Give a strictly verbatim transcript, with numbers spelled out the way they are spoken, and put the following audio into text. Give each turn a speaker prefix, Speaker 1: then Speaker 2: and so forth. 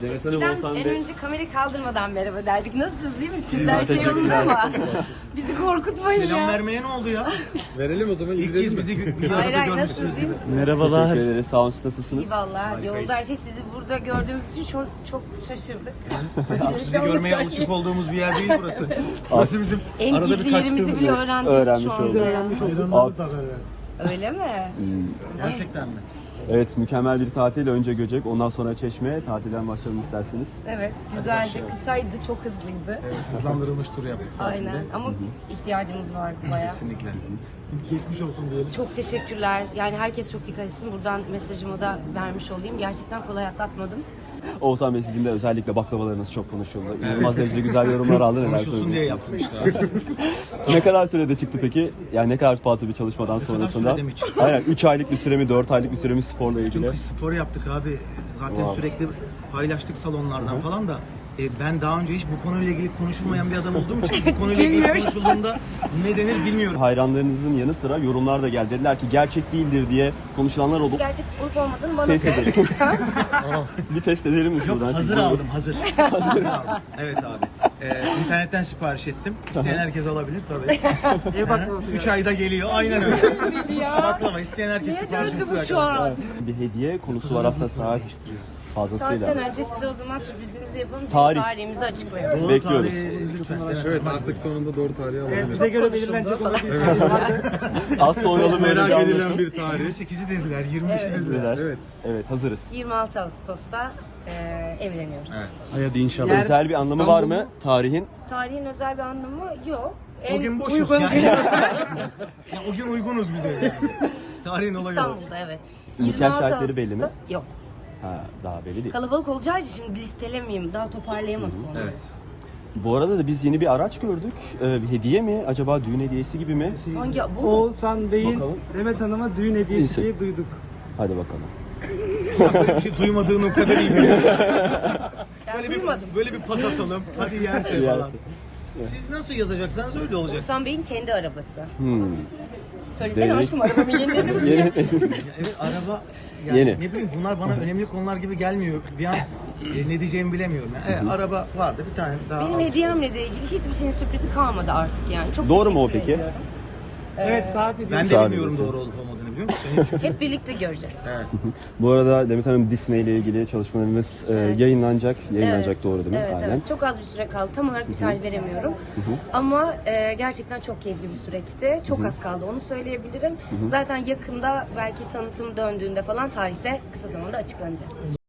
Speaker 1: Demet Hanım
Speaker 2: Eskiden
Speaker 1: olsan
Speaker 2: en
Speaker 1: be.
Speaker 2: önce kamerayı kaldırmadan merhaba derdik. Nasılsınız, değil misiniz?
Speaker 1: İyi,
Speaker 2: Her şey
Speaker 1: teşekkürler.
Speaker 2: yolunda ama bizi korkutmayın
Speaker 3: Selam
Speaker 2: ya.
Speaker 3: vermeye ne oldu ya?
Speaker 4: Verelim o zaman.
Speaker 3: İlk kez bizi bir
Speaker 2: Hayır
Speaker 3: arada
Speaker 2: hayır,
Speaker 3: görmüşsünüz
Speaker 2: nasılsınız, iyi
Speaker 3: gibi.
Speaker 2: misiniz?
Speaker 1: Merhabalar. Teşekkür ederiz. Sağ olun, siz nasılsınız?
Speaker 2: İyi valla.
Speaker 3: Harikayız.
Speaker 2: Yolda her şey, sizi burada gördüğümüz için çok, çok şaşırdık.
Speaker 3: Çok sizi görmeye alışık olduğumuz bir yer değil burası. Burası bizim
Speaker 2: En
Speaker 3: arada
Speaker 2: gizli
Speaker 3: bir
Speaker 2: yerimizi
Speaker 3: kaçtığımız
Speaker 2: bile
Speaker 3: yer.
Speaker 2: öğrendiniz
Speaker 1: Öğrenmiş
Speaker 2: şu anda.
Speaker 1: olduk.
Speaker 2: ya. Öyle mi?
Speaker 3: Gerçekten mi?
Speaker 1: Evet, mükemmel bir tatil. Önce Göcek, ondan sonra Çeşme. Tatilden başlayalım isterseniz.
Speaker 2: Evet, güzeldi. Kısaydı, çok hızlıydı.
Speaker 3: Evet, hızlandırılmış tur yaptık tatilde.
Speaker 2: Aynen ama ihtiyacımız vardı bayağı.
Speaker 3: Kesinlikle.
Speaker 4: Geçmiş olsun diyelim.
Speaker 2: Çok teşekkürler. Yani herkes çok dikkat etsin. Buradan mesajımı da vermiş olayım. Gerçekten kolay atlatmadım.
Speaker 1: Oğuzhan Bey, sizin de özellikle baklavalarınız çok konuşuldu. İnanılmaz derecede güzel yorumlar aldı. Neler
Speaker 3: Konuşulsun diye
Speaker 1: söyleyeceksiniz?
Speaker 3: yaptım işte.
Speaker 1: Ne kadar sürede çıktı peki? Yani ne kadar fazla bir çalışmadan
Speaker 3: kadar
Speaker 1: sonrasında?
Speaker 3: sürede mi çıktı?
Speaker 1: Aynen, üç aylık bir süre mi, dört aylık bir süre mi sporla
Speaker 3: Tüm
Speaker 1: ilgili?
Speaker 3: kış spor yaptık abi. Zaten
Speaker 1: Wow.
Speaker 3: sürekli paylaştık salonlardan falan da. E, ben daha önce hiç bu konuyla ilgili konuşulmayan bir adam olduğum için bu konuyla ilgili
Speaker 2: Bilmiyorum.
Speaker 3: konuşulduğunda ne denir bilmiyorum.
Speaker 1: Hayranlarınızın yanı sıra yorumlar da geldi. Dediler ki gerçek değildir diye konuşulanlar oldu.
Speaker 2: Gerçek olup olmadığını bana
Speaker 1: Test
Speaker 2: söyle.
Speaker 1: edelim. Bir test edelim mi
Speaker 3: Yok,
Speaker 1: şuradan?
Speaker 3: hazır aldım hazır. hazır aldım. Evet abi. Ee, internetten sipariş ettim. İsteyen herkes alabilir tabii. İyi baklavası. üç ayda geliyor. Aynen öyle. Baklava isteyen herkes
Speaker 2: Niye
Speaker 3: sipariş
Speaker 2: döndü
Speaker 3: etsin.
Speaker 2: bu şu an?
Speaker 1: Bir hediye konusu var aslında saat fazlasıyla.
Speaker 2: Saatten önce size o zaman sürprizimizi yapalım.
Speaker 1: Tarih.
Speaker 2: Tarihimizi açıklayalım.
Speaker 3: Doğru
Speaker 1: Bekliyoruz.
Speaker 3: tarihi lütfen. Evet.
Speaker 4: Evet, artık sonunda doğru tarihi alabiliriz.
Speaker 2: Bize göre belirlenecek olan.
Speaker 1: Az sonra
Speaker 4: Çok
Speaker 1: böyle
Speaker 4: merak
Speaker 1: bir
Speaker 4: edilen
Speaker 1: anlatım.
Speaker 4: bir tarih.
Speaker 3: yirmi sekizi dediler, yirmi beşi dediler.
Speaker 1: Dediler.
Speaker 4: Evet.
Speaker 1: Evet, hazırız.
Speaker 2: yirmi altı Ağustos'ta e, evleniyoruz.
Speaker 3: Evet.
Speaker 1: Haydi inşallah. Özel bir anlamı var mı tarihin?
Speaker 2: Tarihin özel bir anlamı yok. En
Speaker 3: O gün boşuz
Speaker 2: uygun
Speaker 3: yani.
Speaker 2: günü
Speaker 3: Ya, o gün uygunuz bize. Tarihin olayı o.
Speaker 2: İstanbul'da, evet.
Speaker 1: Nikah
Speaker 2: yirmi altı
Speaker 1: şahitleri belli mi?
Speaker 2: Ağustos'ta- Yok.
Speaker 1: Ha, daha belli değil.
Speaker 2: Kalabalık olacağı için şimdi listelemeyeyim. Daha toparlayamadım onu.
Speaker 3: Evet.
Speaker 1: Bu arada da biz yeni bir araç gördük. Ee, bir hediye mi? Acaba düğün hediyesi gibi mi?
Speaker 2: Hangi bu?
Speaker 5: Oğuzhan Bey'in
Speaker 1: Bakalım.
Speaker 5: Demet Hanım'a düğün hediyesi
Speaker 1: İyisi.
Speaker 5: diye duyduk.
Speaker 1: Hadi bakalım.
Speaker 3: Böyle bir şey duymadığını o kadar iyi biliyorum.
Speaker 2: Ben
Speaker 3: Böyle bir,
Speaker 2: duymadım.
Speaker 3: böyle bir pas atalım. Hadi yerse
Speaker 1: Yerse.
Speaker 3: falan. Siz nasıl yazacaksanız öyle olacak.
Speaker 2: Oğuzhan Bey'in kendi arabası.
Speaker 1: Hmm.
Speaker 2: Söylesene
Speaker 1: Demek-
Speaker 2: aşkım, arabamı yeniledim diye.
Speaker 1: Yeni.
Speaker 3: Ya evet, araba yani
Speaker 1: Yeni.
Speaker 3: ne bileyim, bunlar bana önemli konular gibi gelmiyor. Bir an e, ne diyeceğimi bilemiyorum. Yani. Evet, araba vardı, bir tane daha
Speaker 2: Benim
Speaker 3: almış.
Speaker 2: hediyemle de ilgili hiçbir şeyin sürprizi kalmadı artık yani. Çok
Speaker 1: Doğru mu o
Speaker 2: teşekkür
Speaker 1: peki?
Speaker 2: ediyorum.
Speaker 5: Evet, saat hediyesi.
Speaker 3: Ben de
Speaker 1: Müsaade
Speaker 3: bilmiyorum
Speaker 1: ediyorsun.
Speaker 3: doğru olup olmadığını, biliyor musun? Henüz çünkü.
Speaker 2: Hep birlikte göreceğiz.
Speaker 3: Evet.
Speaker 1: Bu arada Demet Hanım, Disney ile ilgili çalışmalarımız e, yayınlanacak. Yayınlanacak,
Speaker 2: Evet.
Speaker 1: doğru değil mi?
Speaker 2: Evet,
Speaker 1: Aynen.
Speaker 2: evet. Çok az bir süre kaldı. Tam olarak bir tarih veremiyorum. Ama e, gerçekten çok keyifli bir süreçti. Çok az kaldı, onu söyleyebilirim. Zaten yakında, belki tanıtım döndüğünde falan, tarihte kısa zamanda açıklanacak.